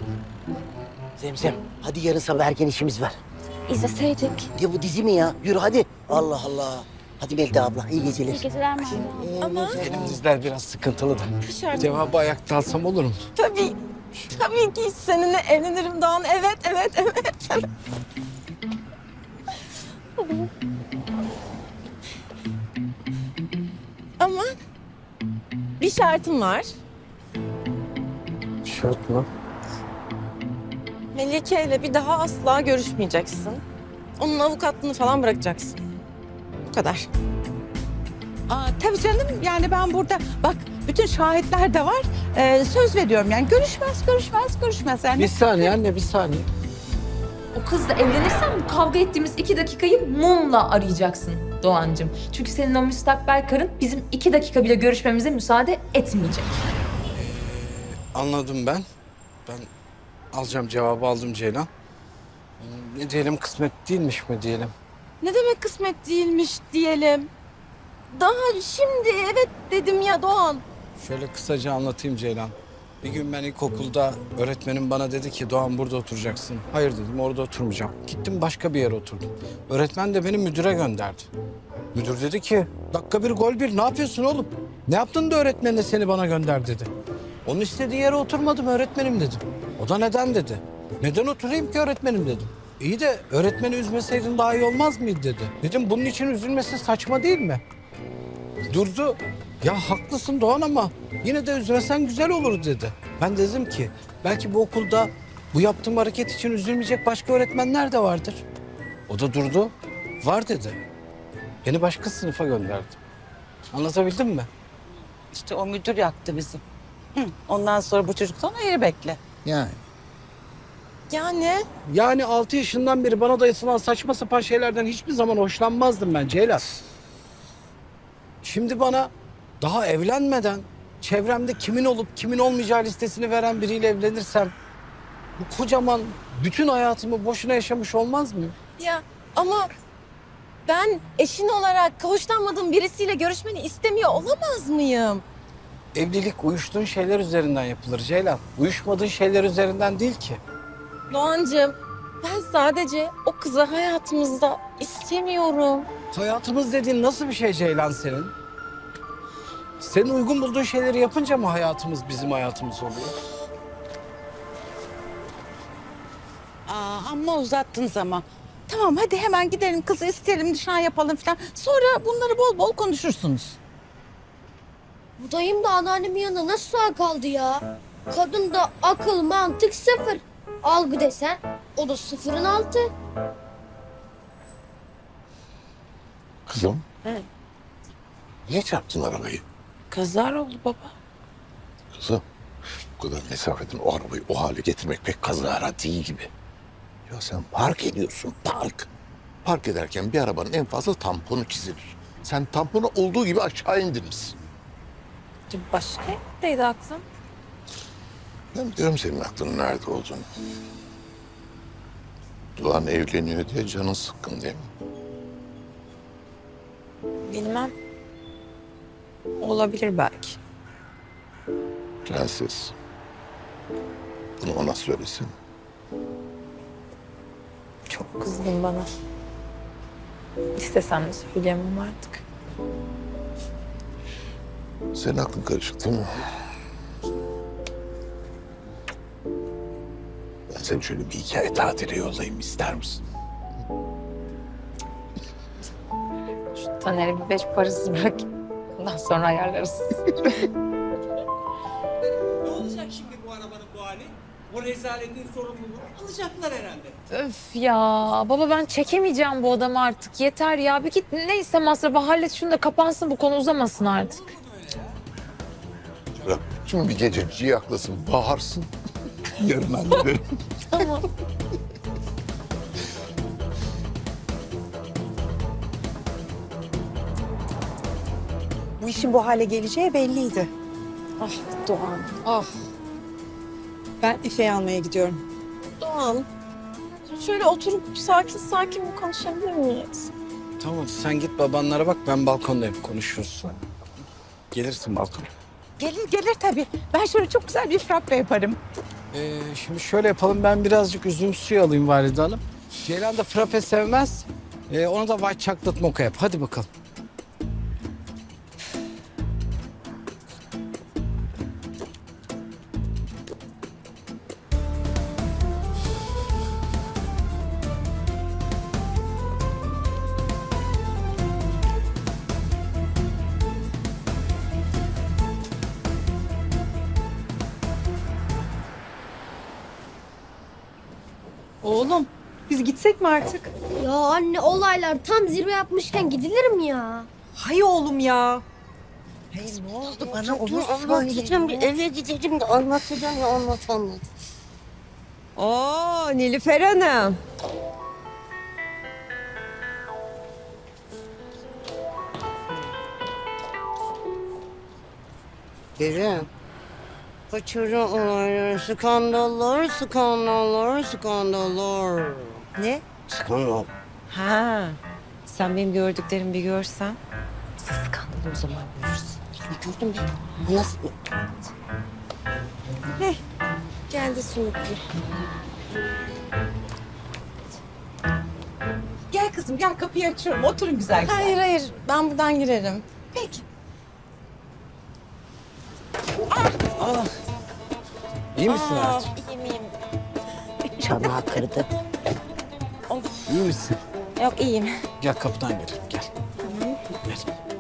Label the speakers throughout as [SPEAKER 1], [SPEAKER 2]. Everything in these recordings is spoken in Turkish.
[SPEAKER 1] Zemzem, hadi yarın sabah erken işimiz var.
[SPEAKER 2] İzleseydik.
[SPEAKER 1] Ya bu dizi mi ya? Yürü hadi. Allah Allah. Hadi Melda abla, iyi geceler.
[SPEAKER 2] İyi geceler Merve.
[SPEAKER 3] Ama
[SPEAKER 4] Benim diziler biraz sıkıntılı da. Cevabı ayakta alsam olur mu?
[SPEAKER 3] tabii, tabii ki seninle evlenirim Doğan. Evet, evet, evet. Ama bir şartım var.
[SPEAKER 4] Şart mı?
[SPEAKER 3] Melike ile bir daha asla görüşmeyeceksin. Onun avukatlığını falan bırakacaksın. Bu kadar.
[SPEAKER 5] Tabii canım yani ben burada bak bütün şahitler de var. Söz veriyorum yani görüşmez yani.
[SPEAKER 4] Bir saniye anne, bir saniye.
[SPEAKER 6] O kızla evlenirsen bu kavga ettiğimiz 2 dakikayı mumla arayacaksın Doğancığım. Çünkü senin o müstakbel karın bizim 2 dakika bile görüşmemize müsaade etmeyecek.
[SPEAKER 4] Anladım ben. Ben alacağım, cevabı aldım Ceylan. Ne diyelim, kısmet değilmiş mi diyelim?
[SPEAKER 3] Ne demek kısmet değilmiş diyelim. Daha şimdi evet dedim ya Doğan.
[SPEAKER 4] Şöyle kısaca anlatayım Ceylan. Bir gün ben ilkokulda öğretmenim bana dedi ki Doğan burada oturacaksın. Hayır dedim, orada oturmayacağım. Gittim başka bir yere oturdum. Öğretmen de beni müdüre gönderdi. Müdür dedi ki dakika bir gol bir, ne yapıyorsun oğlum? Ne yaptın da öğretmen de seni bana gönder dedi. Onun istediği yere oturmadım öğretmenim dedim. O da neden dedi. Neden oturayım ki öğretmenim dedim. İyi de öğretmeni üzmeseydin daha iyi olmaz mıydı dedi. Dedim bunun için üzülmesi saçma değil mi? Durdu. Ya haklısın Doğan ama yine de üzmesen güzel olur dedi. Ben dedim ki belki bu okulda bu yaptığım hareket için üzülmeyecek başka öğretmenler de vardır. O da durdu. Var dedi. Beni başka sınıfa gönderdi. Anlatabildim mi?
[SPEAKER 5] İşte o müdür yaktı bizi. Ondan sonra bu çocuktan ayrı bekle.
[SPEAKER 4] Yani.
[SPEAKER 3] Yani
[SPEAKER 4] 6 yaşından beri bana dayatılan saçma sapan şeylerden hiçbir zaman hoşlanmazdım ben Ceylan. Şimdi bana daha evlenmeden çevremde kimin olup kimin olmayacağı listesini veren biriyle evlenirsem bu kocaman bütün hayatımı boşuna yaşamış olmaz mıyım?
[SPEAKER 3] ya ama ben eşin olarak hoşlanmadığım birisiyle görüşmeni istemiyor olamaz mıyım?
[SPEAKER 4] Evlilik uyuştuğun şeyler üzerinden yapılır Ceylan. Uyuşmadığın şeyler üzerinden değil ki.
[SPEAKER 3] Doğancığım ben sadece o kızı hayatımızda istemiyorum.
[SPEAKER 4] Hayatımız dediğin nasıl bir şey Ceylan senin? Senin uygun bulduğun şeyleri yapınca mı hayatımız bizim hayatımız oluyor?
[SPEAKER 5] Amma uzattınız ama. Tamam hadi hemen gidelim kızı isteyelim nişan yapalım falan. Sonra bunları bol bol konuşursunuz.
[SPEAKER 2] Bu dayım da anneannemin yanında nasıl sağ kaldı ya? Kadında akıl, mantık sıfır. Algı desen o da sıfırın altı.
[SPEAKER 7] Kızım. Niye çarptın arabayı?
[SPEAKER 3] Kazar oldu baba.
[SPEAKER 7] Kızım. Bu kadar mesafeden o arabayı o hale getirmek pek kazara değil gibi. Ya sen park ediyorsun, park. Park ederken bir arabanın en fazla tamponu çizilir. Sen tamponu olduğu gibi aşağı indirmişsin.
[SPEAKER 3] Başka neydi aklım?
[SPEAKER 7] Ben biliyorum senin aklının nerede olduğunu. Doğan evleniyor diye canın sıkkın değil mi?
[SPEAKER 3] Bilmem. Olabilir belki.
[SPEAKER 7] Prenses. Bunu ona söylesin.
[SPEAKER 3] Çok kızgın bana. İstesem de söyleyemem artık.
[SPEAKER 7] Senin aklın karışık değil mi? Ben seni şöyle bir hikaye tatile yollayayım ister misin?
[SPEAKER 6] Şu Taner'i bir 5 parasız bırak. Ondan sonra ayarlarız.
[SPEAKER 8] Ne olacak şimdi bu arabanın bu hali? O rezaletin sorumluluğunu alacaklar herhalde.
[SPEAKER 6] Öf ya baba ben çekemeyeceğim bu adamı artık. Yeter ya bir git neyse masrafı hallet şunu da kapansın bu konu uzamasın artık.
[SPEAKER 7] Bırak tüm bir gece ciyaklasın, bağırsın. Yarın hallederim.
[SPEAKER 6] Tamam.
[SPEAKER 5] Bu işin bu hale geleceği belliydi.
[SPEAKER 3] Ah Doğan.
[SPEAKER 5] Ah. Ben Efe'yi almaya gidiyorum.
[SPEAKER 3] Doğan. Şöyle oturup sakin sakin bir konuşabilir miyiz?
[SPEAKER 4] Tamam sen git babanlara bak, ben balkondayım, konuşuruz. Gelirsin balkona.
[SPEAKER 5] Gelir tabii. Ben şöyle çok güzel bir frappe yaparım.
[SPEAKER 4] Şimdi şöyle yapalım. Ben birazcık üzüm suyu alayım Valide Hanım. Ceylan da frappe sevmez. Ona da white chocolate mocha yap. Hadi bakalım.
[SPEAKER 3] Oğlum biz gitsek mi artık?
[SPEAKER 2] Ya anne olaylar tam zirve yapmışken gidilir mi ya?
[SPEAKER 3] Hay oğlum ya.
[SPEAKER 1] Ne oldu bana onu anlatacağım. Bir eve gideceğim de anlatacağım ya anlat.
[SPEAKER 3] Oo Nilüfer Hanım.
[SPEAKER 1] Derin. Kaçırı olaylar, skandallar.
[SPEAKER 3] Ne?
[SPEAKER 1] Skandal.
[SPEAKER 3] Ha. Sen benim gördüklerimi bir görsen. Siz skandalı o zaman görürsün.
[SPEAKER 1] Ne gördün be? Bu nasıl?
[SPEAKER 3] Geldi Sumutlu.
[SPEAKER 5] Gel kızım gel kapıyı açıyorum. Oturun güzel güzel.
[SPEAKER 3] Hayır ben buradan girerim.
[SPEAKER 5] Peki.
[SPEAKER 4] İyi misin hayatım?
[SPEAKER 1] Çanağı kırdı.
[SPEAKER 4] İyi misin?
[SPEAKER 3] Yok iyiyim.
[SPEAKER 4] Gel kapıdan girelim. Gel. Gel.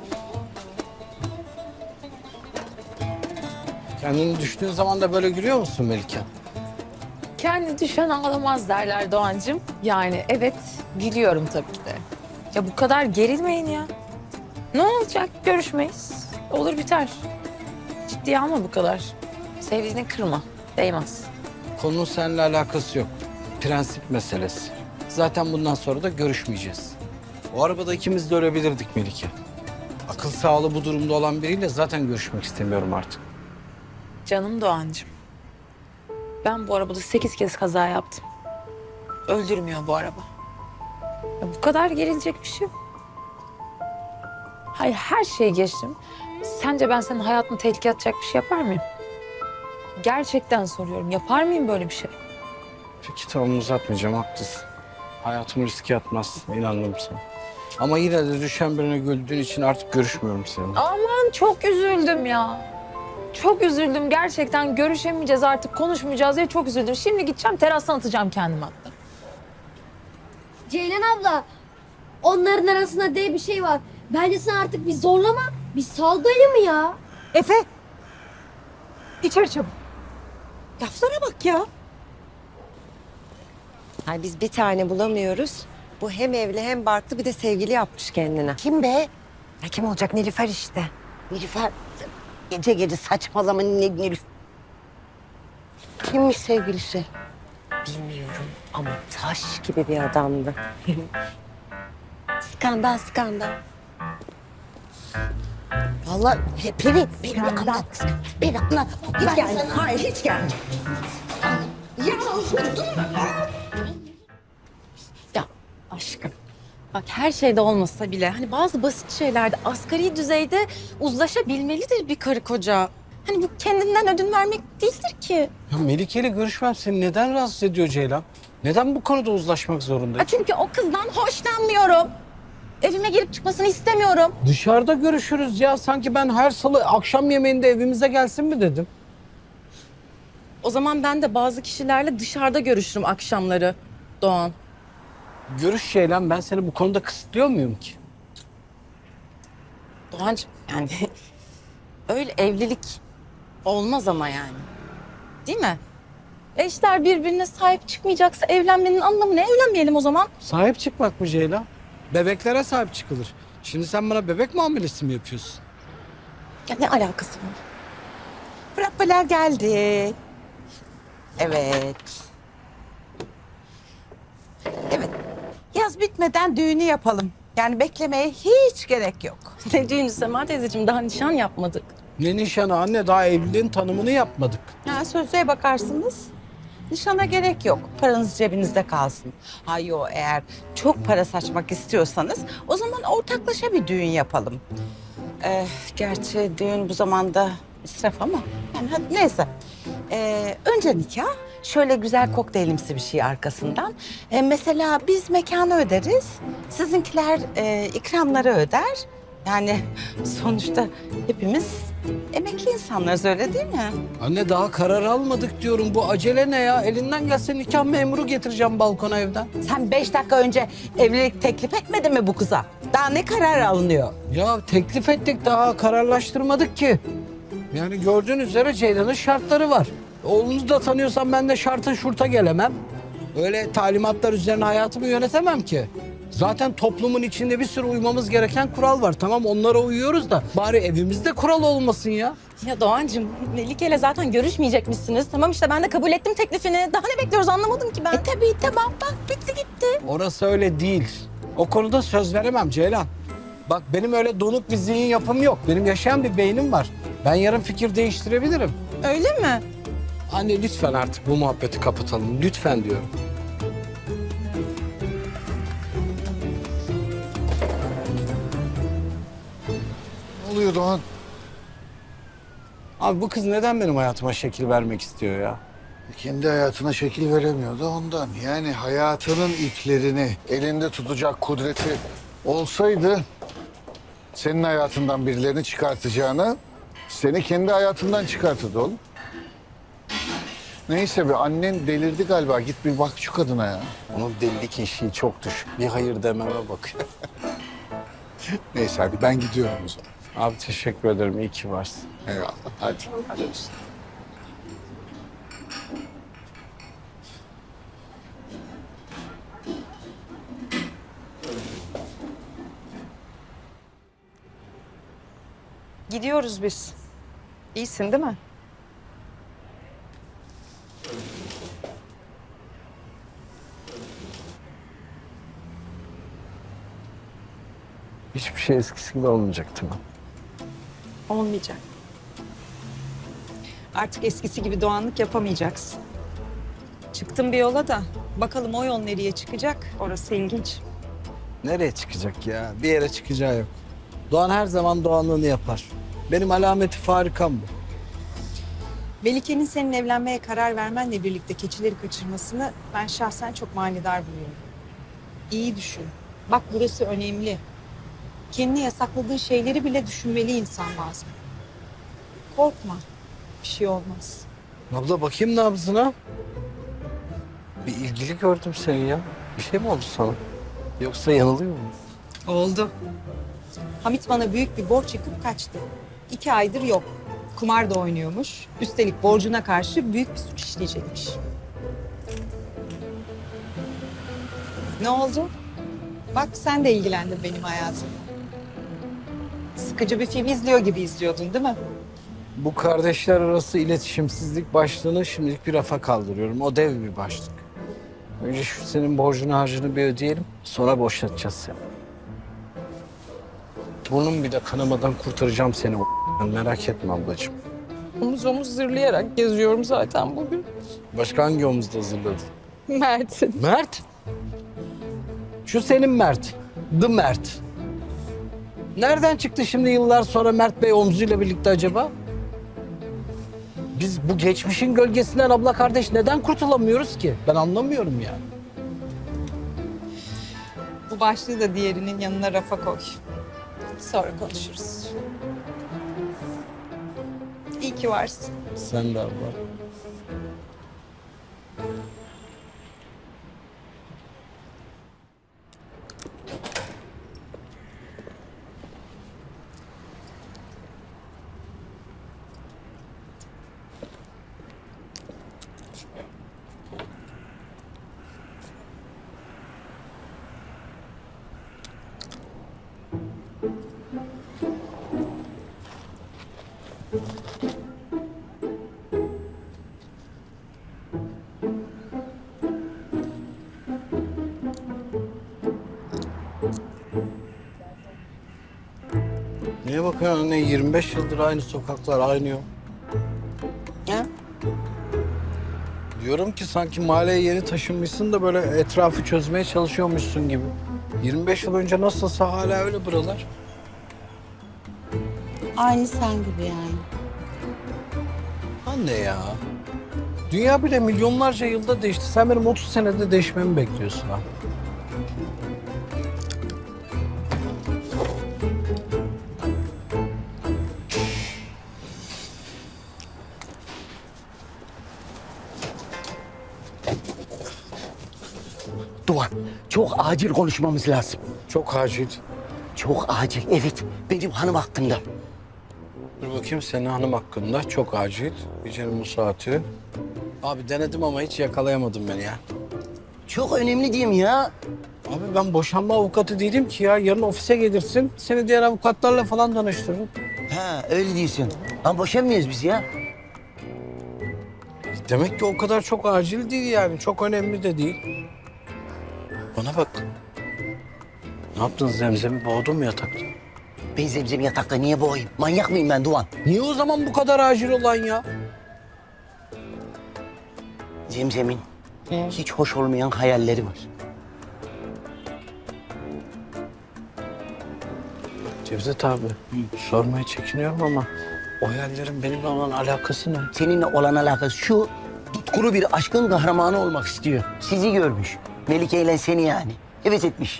[SPEAKER 4] Kendini düştüğün zaman da böyle gülüyor musun Melike?
[SPEAKER 6] Kendi düşen ağlamaz derler Doğancığım. Yani evet gülüyorum tabii ki de. Ya bu kadar gerilmeyin ya. Ne olacak? Görüşmeyiz. Olur biter. Ciddiye alma bu kadar. Sevdiğini kırma. Değmez.
[SPEAKER 4] Konunun seninle alakası yok. Prensip meselesi. Zaten bundan sonra da görüşmeyeceğiz. O arabada ikimiz de ölebilirdik Melike. Akıl sağlığı bu durumda olan biriyle zaten görüşmek istemiyorum artık.
[SPEAKER 6] Canım Doğancığım. Ben bu arabada 8 kez kaza yaptım. Öldürmüyor bu araba. Ya bu kadar gerilecek bir şey yok. Hayır her şeyi geçtim. Sence ben senin hayatını tehlikeye atacak bir şey yapar mıyım? Gerçekten soruyorum. Yapar mıyım böyle bir şey?
[SPEAKER 4] Peki tamam uzatmayacağım haklısın. Hayatımı riske atmazsın inandım sana. Ama yine de düşen birine güldüğün için artık görüşmüyorum seninle.
[SPEAKER 6] Aman çok üzüldüm ya. Çok üzüldüm gerçekten. Görüşemeyeceğiz artık, konuşmayacağız diye çok üzüldüm. Şimdi gideceğim terastan atacağım kendimi hatta.
[SPEAKER 2] Ceylan abla onların arasında diye bir şey var. Bence sen artık bir zorlama. Bir sal mı ya?
[SPEAKER 5] Efe. İçeri çabuk. Laflara bak ya.
[SPEAKER 3] Ay biz bir tane bulamıyoruz. Bu hem evli hem barklı bir de sevgili yapmış kendine.
[SPEAKER 1] Kim be?
[SPEAKER 3] Ya kim olacak Nilüfer işte.
[SPEAKER 1] Nilüfer. Gece gece saçmalama Nilüfer. Kimmiş sevgilisi?
[SPEAKER 3] Bilmiyorum ama taş gibi bir adamdı. skandal.
[SPEAKER 1] Vallahi beni anlat. Beni anlat.
[SPEAKER 5] Hiç gelme. Hayır hiç gelme.
[SPEAKER 3] Ya aşkım. Bak her şeyde olmasa bile hani bazı basit şeylerde asgari düzeyde uzlaşabilmelidir bir karı koca. Hani bu kendinden ödün vermek değildir ki.
[SPEAKER 4] Ya Melike ile görüşmem seni neden rahatsız ediyor Ceylan? Neden bu konuda uzlaşmak zorundayız?
[SPEAKER 3] Çünkü o kızdan hoşlanmıyorum. Evime girip çıkmasını istemiyorum.
[SPEAKER 4] Dışarıda görüşürüz ya. Sanki ben her salı akşam yemeğinde evimize gelsin mi dedim.
[SPEAKER 3] O zaman ben de bazı kişilerle dışarıda görüşürüm akşamları Doğan.
[SPEAKER 4] Görüş Ceylan ben seni bu konuda kısıtlıyor muyum ki?
[SPEAKER 3] Doğancığım yani öyle evlilik olmaz ama yani. Değil mi? Eşler birbirine sahip çıkmayacaksa evlenmenin anlamı ne? Evlenmeyelim o zaman.
[SPEAKER 4] Sahip çıkmak mı Ceylan? Bebeklere sahip çıkılır. Şimdi sen bana bebek muamelesi mi yapıyorsun?
[SPEAKER 3] Ya ne alakası var?
[SPEAKER 5] Frappeler geldi. Evet. Evet. Yaz bitmeden düğünü yapalım. Yani beklemeye hiç gerek yok.
[SPEAKER 3] Ne düğünü Sema teyzeciğim daha nişan yapmadık.
[SPEAKER 4] Ne nişanı anne daha evliliğin tanımını yapmadık.
[SPEAKER 5] Ha, sözlüğe bakarsınız. Nişana gerek yok. Paranız cebinizde kalsın. Hayır eğer çok para saçmak istiyorsanız o zaman ortaklaşa bir düğün yapalım. Gerçi düğün bu zamanda israf ama yani hadi neyse. Önce nikah Şöyle güzel kokteylimsi bir şey arkasından. Mesela biz mekanı öderiz. Sizinkiler ikramları öder. Yani sonuçta hepimiz emekli insanlarız, öyle değil mi?
[SPEAKER 4] Anne daha karar almadık diyorum. Bu acele ne ya? Elinden gelse nikah memuru getireceğim balkona evden.
[SPEAKER 5] Sen 5 dakika önce evlilik teklif etmedin mi bu kıza? Daha ne karar alınıyor?
[SPEAKER 4] Ya teklif ettik daha kararlaştırmadık ki. Yani gördüğünüz üzere Ceylan'ın şartları var. Oğlunuzu da tanıyorsam ben de şarta şurta gelemem. Öyle talimatlar üzerine hayatımı yönetemem ki. Zaten toplumun içinde bir sürü uymamız gereken kural var. Tamam onlara uyuyoruz da bari evimizde kural olmasın ya.
[SPEAKER 3] Ya Doğancığım, Melike'yle zaten görüşmeyecekmişsiniz. Tamam işte ben de kabul ettim teklifini. Daha ne bekliyoruz anlamadım ki ben.
[SPEAKER 5] Tabii tamam, bak bitti gitti.
[SPEAKER 4] Orası öyle değil. O konuda söz veremem Ceylan. Bak benim öyle donuk bir zihin yapım yok. Benim yaşayan bir beynim var. Ben yarın fikir değiştirebilirim.
[SPEAKER 3] Öyle mi?
[SPEAKER 4] Anne lütfen artık bu muhabbeti kapatalım. Lütfen diyorum.
[SPEAKER 7] Ne oluyor Doğan?
[SPEAKER 4] Abi bu kız neden benim hayatıma şekil vermek istiyor ya?
[SPEAKER 7] Kendi hayatına şekil veremiyordu ondan. Yani hayatının iplerini elinde tutacak kudreti olsaydı senin hayatından birilerini çıkartacağına seni kendi hayatından çıkartırdı oğlum. Neyse be, annen delirdi galiba. Git bir bak şu kadına ya.
[SPEAKER 4] Onun delilik eşiği çok düşük. Bir hayır dememe bakıyor.
[SPEAKER 7] Neyse hadi ben gidiyorum o zaman.
[SPEAKER 4] Abi teşekkür ederim. İyi ki varsın.
[SPEAKER 7] Eyvallah. Hadi. Hadi.
[SPEAKER 3] Gidiyoruz biz. İyisin değil mi?
[SPEAKER 4] Hiçbir şey eskisi gibi olmayacak değil mi?
[SPEAKER 9] Olmayacak. Artık eskisi gibi doğanlık yapamayacaksın. Çıktım bir yola da bakalım o yol nereye çıkacak, orası ilginç.
[SPEAKER 4] Nereye çıkacak ya? Bir yere çıkacağı yok. Doğan her zaman doğanlığını yapar. Benim alameti farikam bu.
[SPEAKER 9] Melike'nin senin evlenmeye karar vermenle birlikte keçileri kaçırmasını ben şahsen çok manidar buluyorum. İyi düşün. Bak burası önemli. Kendine yasakladığın şeyleri bile düşünmeli insan bazen. Korkma. Bir şey olmaz.
[SPEAKER 4] Abla bakayım nabzına. Bir ilgili gördüm seni ya. Bir şey mi oldu sana? Yoksa yanılıyor mu?
[SPEAKER 9] Oldu. Hamit bana büyük bir borç yıkıp kaçtı. 2 aydır yok. Kumar da oynuyormuş. Üstelik borcuna karşı büyük bir suç işleyecekmiş. Ne oldu? Bak sen de ilgilendin benim hayatımla. Sıkıcı bir film izliyor gibi izliyordun değil mi?
[SPEAKER 4] Bu kardeşler arası iletişimsizlik başlığını şimdilik bir rafa kaldırıyorum. O dev bir başlık. Önce şu senin borcunu harcını bir ödeyelim. Sonra boşaltacağız seni. Burnum bir de kanamadan kurtaracağım seni o merak etme ablacığım.
[SPEAKER 6] Omuz omuz zırlayarak geziyorum zaten bugün.
[SPEAKER 4] Başka hangi omuzda hazırladın?
[SPEAKER 6] Mert'in.
[SPEAKER 4] Mert. Şu senin Mert. The Mert. Nereden çıktı şimdi yıllar sonra Mert Bey omzuyla birlikte acaba? Biz bu geçmişin gölgesinden abla kardeş neden kurtulamıyoruz ki? Ben anlamıyorum ya.
[SPEAKER 9] Bu başlığı da diğerinin yanına rafa koy. Sonra konuşuruz. İyi ki varsın.
[SPEAKER 4] Sen de abla. Neye bakıyorsun anne? 25 yıldır aynı sokaklar, aynı yol.
[SPEAKER 5] Ha?
[SPEAKER 4] Diyorum ki sanki mahalleye yeni taşınmışsın da böyle etrafı çözmeye çalışıyormuşsun gibi. 25 yıl önce nasılsa hala öyle buralar.
[SPEAKER 5] Aynı sen gibi yani.
[SPEAKER 4] Anne ya. Dünya bile milyonlarca yılda değişti. Sen benim 30 senede değişmemi bekliyorsun ha.
[SPEAKER 10] Doğan, çok acil konuşmamız lazım.
[SPEAKER 4] Çok acil.
[SPEAKER 10] Çok acil, evet. Benim hanım hakkında.
[SPEAKER 4] Dur bakayım senin hanım hakkında. Çok acil. Gecenin bu saati. Abi denedim ama hiç yakalayamadım beni ya.
[SPEAKER 10] Çok önemli diyeyim ya.
[SPEAKER 4] Abi ben boşanma avukatı değilim ki ya. Yarın ofise gelirsin. Seni diğer avukatlarla falan tanıştırırım.
[SPEAKER 10] Ha, öyle diyorsun. Ama boşanmıyoruz biz ya.
[SPEAKER 4] Demek ki o kadar çok acil değil yani. Çok önemli de değil. Bana bak. Ne yaptın Zemzem'i boğdun mu yatakta?
[SPEAKER 10] Ben Zemzem'i yatakta niye boğayım? Manyak mıyım ben Doğan?
[SPEAKER 4] Niye o zaman bu kadar acil olan ya?
[SPEAKER 10] Zemzem'in hiç hoş olmayan hayalleri var.
[SPEAKER 4] Cevdet abi, sormaya çekiniyorum ama o hayallerin benimle olan alakası ne?
[SPEAKER 10] Seninle olan alakası şu, tutkulu bir aşkın kahramanı olmak istiyor. Sizi görmüş. Melike ile seni yani. Evet etmiş.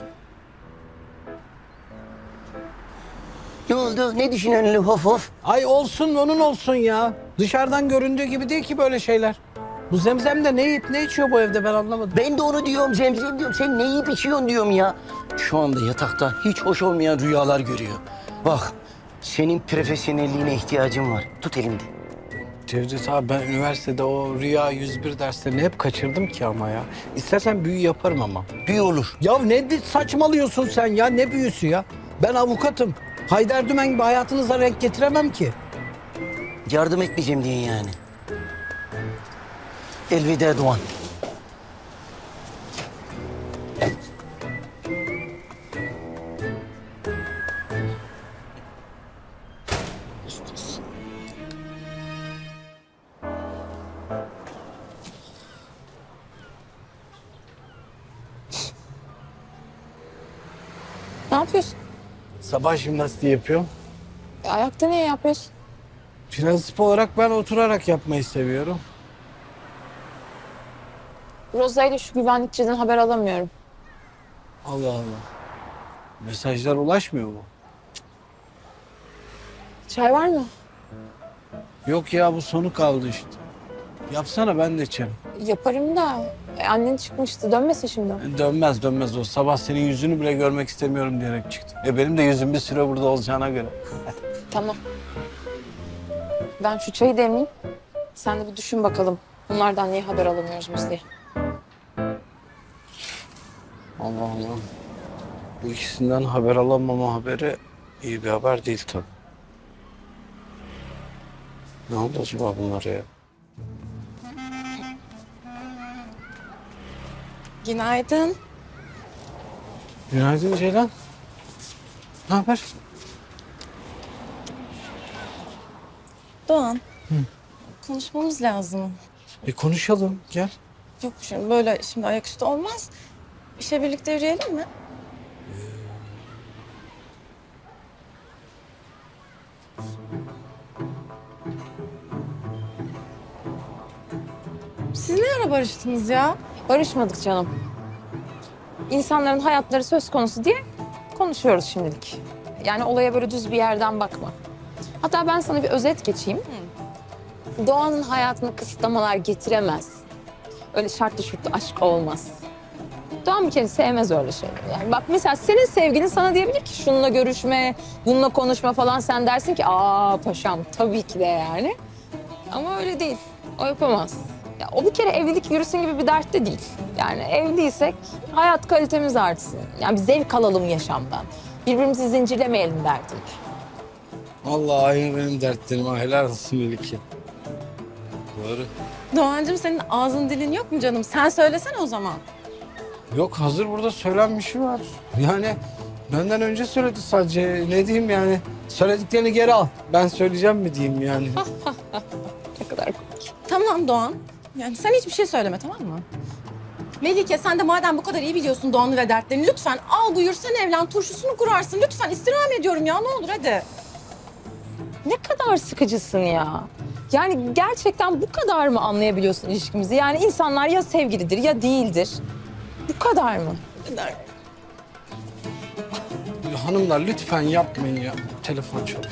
[SPEAKER 10] Ne oldu? Ne düşünüyorsun öyle hof hof?
[SPEAKER 4] Ay olsun, onun olsun ya. Dışarıdan göründüğü gibi değil ki böyle şeyler. Bu Zemzem de ne yiyip ne içiyor bu evde ben anlamadım.
[SPEAKER 10] Ben de onu diyorum Zemzem diyorum. Sen ne yiyip içiyorsun diyorum ya. Şu anda yatakta hiç hoş olmayan rüyalar görüyor. Bak, senin profesyonelliğine ihtiyacım var. Tut elimde.
[SPEAKER 4] Cevdet abi ben üniversitede o Rüya 101 derslerini hep kaçırdım ki ama ya. İstersen büyü yaparım ama.
[SPEAKER 10] Büyü olur.
[SPEAKER 4] Ya ne saçmalıyorsun sen ya? Ne büyüsü ya? Ben avukatım. Haydar Dümen gibi hayatınıza renk getiremem ki.
[SPEAKER 10] Yardım etmeyeceğim diye yani. Elveda Doğan.
[SPEAKER 6] Ne yapıyorsun?
[SPEAKER 4] Sabah jimnastiği yapıyorum.
[SPEAKER 6] Ayakta niye yapıyorsun?
[SPEAKER 4] Prensip olarak ben oturarak yapmayı seviyorum.
[SPEAKER 6] Roza ile şu güvenlikçiden haber alamıyorum.
[SPEAKER 4] Allah Allah. Mesajlar ulaşmıyor mu?
[SPEAKER 6] Çay var mı?
[SPEAKER 4] Yok ya bu sonu kaldı işte. Yapsana ben de içerim.
[SPEAKER 6] Yaparım da. Annen çıkmıştı. Dönmesin şimdi.
[SPEAKER 4] Dönmez o. Sabah senin yüzünü bile görmek istemiyorum diyerek çıktı. Benim de yüzüm bir süre burada olacağına göre.
[SPEAKER 6] Tamam. Ben şu çayı demleyeyim. Sen de bir düşün bakalım. Bunlardan niye haber alamıyoruz biz diye.
[SPEAKER 4] Allah Allah. Bu ikisinden haber alamama haberi iyi bir haber değil tabii. Ne oldu acaba bunlara ya?
[SPEAKER 3] Günaydın.
[SPEAKER 4] Günaydın Ceylan. Ne haber?
[SPEAKER 3] Doğan. Konuşmamız lazım.
[SPEAKER 4] Konuşalım gel.
[SPEAKER 3] Yok şimdi böyle şimdi ayaküstü olmaz. İşe birlikte yürüyelim mi? Siz ne ara barıştınız ya?
[SPEAKER 6] Barışmadık canım. İnsanların hayatları söz konusu diye konuşuyoruz şimdilik. Yani olaya böyle düz bir yerden bakma. Hatta ben sana bir özet geçeyim. Doğanın hayatına kısıtlamalar getiremez. Öyle şartlı şurtlu aşk olmaz. Doğan bir kere sevmez öyle şeyleri. Yani bak mesela senin sevgilin sana diyebilir ki şununla görüşme, bununla konuşma falan. Sen dersin ki aa paşam tabii ki de yani. Ama öyle değil. O yapamaz. Ya, o bir kere evlilik yürüsün gibi bir dert de değil. Yani evliysek hayat kalitemiz artsın. Yani bir zevk alalım yaşamdan. Birbirimizi zincirlemeyelim derdim.
[SPEAKER 4] Allah aynı benim dertlerim. Ha, helal olsun Melike. Doğru.
[SPEAKER 3] Doğancığım senin ağzın dilin yok mu canım? Sen söylesene o zaman.
[SPEAKER 4] Yok hazır burada söylenmişi var. Yani benden önce söyledi sadece. Ne diyeyim yani? Söylediklerini geri al. Ben söyleyeceğim mi diyeyim yani?
[SPEAKER 6] Ne kadar komik.
[SPEAKER 3] Tamam Doğan. Yani sen hiçbir şey söyleme tamam mı? Melike sen de madem bu kadar iyi biliyorsun Doğan'ı ve dertlerini lütfen al buyur sen evlen turşusunu kurarsın. Lütfen istirham ediyorum ya ne olur hadi.
[SPEAKER 6] Ne kadar sıkıcısın ya. Yani gerçekten bu kadar mı anlayabiliyorsun ilişkimizi? Yani insanlar ya sevgilidir ya değildir. Bu kadar mı?
[SPEAKER 4] Hanımlar lütfen yapmayın ya. Telefon çalıyor.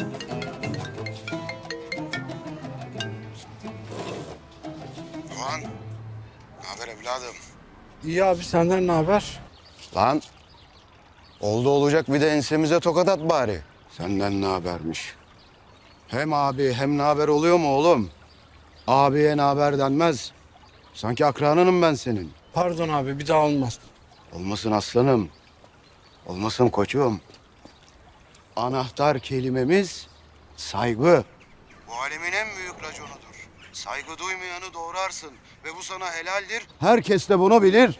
[SPEAKER 11] Doğan, ne haber evladım?
[SPEAKER 4] İyi abi, senden ne haber?
[SPEAKER 11] Lan, oldu olacak bir de ensemize tokat at bari. Senden ne habermiş? Hem abi hem ne haber oluyor mu oğlum? Abiye ne haber denmez. Sanki akranınım ben senin.
[SPEAKER 4] Pardon abi, bir daha olmaz.
[SPEAKER 11] Olmasın aslanım. Olmasın koçum. Anahtar kelimemiz saygı. Bu alemin en büyük raconudur. Saygı duymayanı doğrarsın ve bu sana helaldir. Herkes de bunu bilir.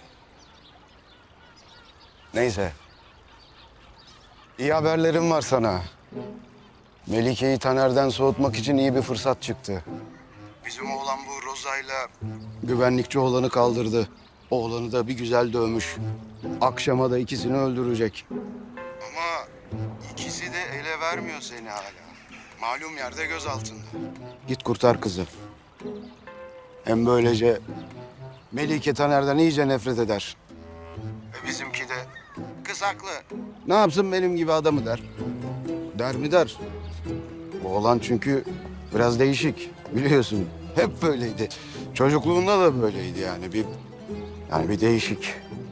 [SPEAKER 11] Neyse. İyi haberlerim var sana. Melike'yi Taner'den soğutmak için iyi bir fırsat çıktı. Bizim oğlan bu Roza'yla güvenlikçi oğlanı kaldırdı. Oğlanı da bir güzel dövmüş. Akşama da ikisini öldürecek. Ama ikisi de ele vermiyor seni hala. Malum yerde göz altında. Git kurtar kızı. Hem böylece Melike Taner'den iyice nefret eder. Ve bizimki de kız haklı. Ne yapsın benim gibi adamı der. Der mi der. Bu oğlan çünkü biraz değişik biliyorsun. Hep böyleydi. Çocukluğunda da böyleydi yani. Bir değişik.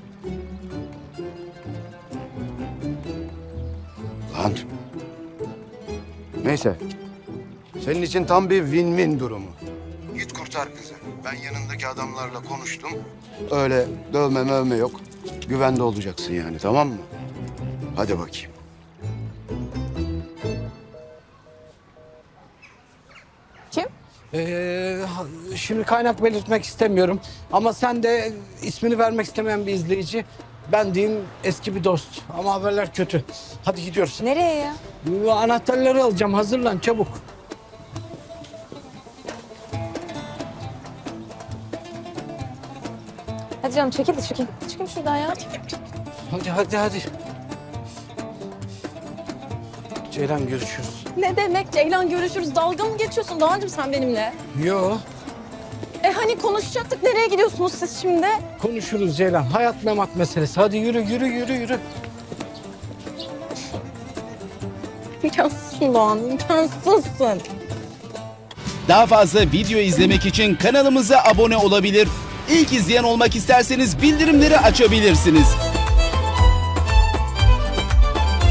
[SPEAKER 11] Lan. Neyse. Senin için tam bir win-win durumu. Git kurtar kızı. Ben yanındaki adamlarla konuştum. Öyle dövme mövme yok. Güvende olacaksın yani, tamam mı? Hadi bakayım.
[SPEAKER 6] Kim?
[SPEAKER 4] Şimdi kaynak belirtmek istemiyorum. Ama sen de ismini vermek istemeyen bir izleyici. Ben diyeyim eski bir dost. Ama haberler kötü. Hadi gidiyoruz.
[SPEAKER 6] Nereye ya?
[SPEAKER 4] Bu anahtarları alacağım. Hazırlan çabuk.
[SPEAKER 6] Hadi canım çekil de çekil. Çıkın şuradan ya.
[SPEAKER 4] Hadi. Ceylan görüşürüz.
[SPEAKER 3] Ne demek Ceylan, görüşürüz. Dalga mı geçiyorsun Doğancığım sen benimle?
[SPEAKER 4] Yo,
[SPEAKER 3] Hani konuşacaktık, nereye gidiyorsunuz siz şimdi?
[SPEAKER 4] konuşuruz Ceylan. Hayat memat meselesi. Hadi yürü.
[SPEAKER 3] İmkansızsın Doğan, imkansızsın.
[SPEAKER 12] Daha fazla video izlemek için kanalımıza abone olabilir. İlk izleyen olmak isterseniz bildirimleri açabilirsiniz.